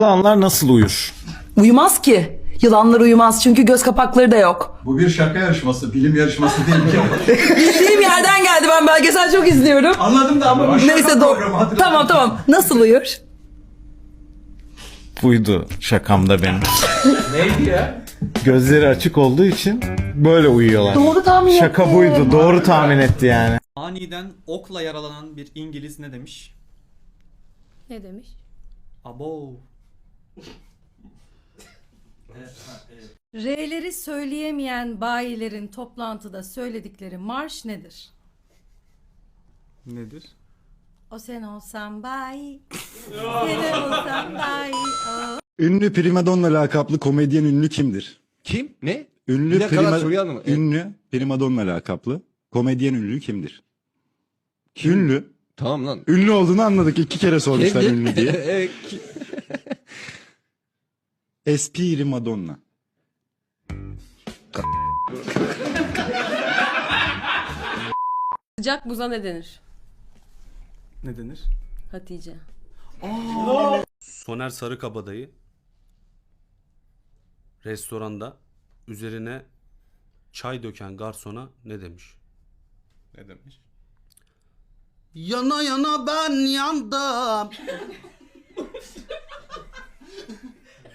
Yılanlar nasıl uyur? Uyumaz ki. Yılanlar uyumaz çünkü göz kapakları da yok. Bu bir şaka yarışması, bilim yarışması değil ki. Bildiğim yerden geldi, ben belgesel çok izliyorum. Anladım da ama bu şaka Neyse programı, hatırladım. tamam. Nasıl uyur? Buydu şakamda benim. Neydi ya? Gözleri açık olduğu için böyle uyuyorlar. Doğru tahmin Şaka ettim. buydu. Doğru tahmin etti yani. Aniden okla yaralanan bir İngiliz ne demiş? Ne demiş? Abo. R'leri söyleyemeyen bayilerin toplantıda söyledikleri marş nedir? Nedir? O sen olsan bayi. Sen olsan bayi. Ünlü primadonna lakaplı komedyen ünlü kimdir? Kim? Ne? Ünlü Bir dakika lan, soruyu anlamadım. ünlü primadonna lakaplı komedyen ünlü kimdir? Ünlü. Tamam lan. Ünlü olduğunu anladık. 2 kere sormuşlar ünlü diye. Espiri Madonna. Sıcak buza ne denir? Ne denir? Hatice. Soner Sarıkabadayı restoranda üzerine çay döken garsona ne demiş? Ne demiş? Yana yana ben yandım.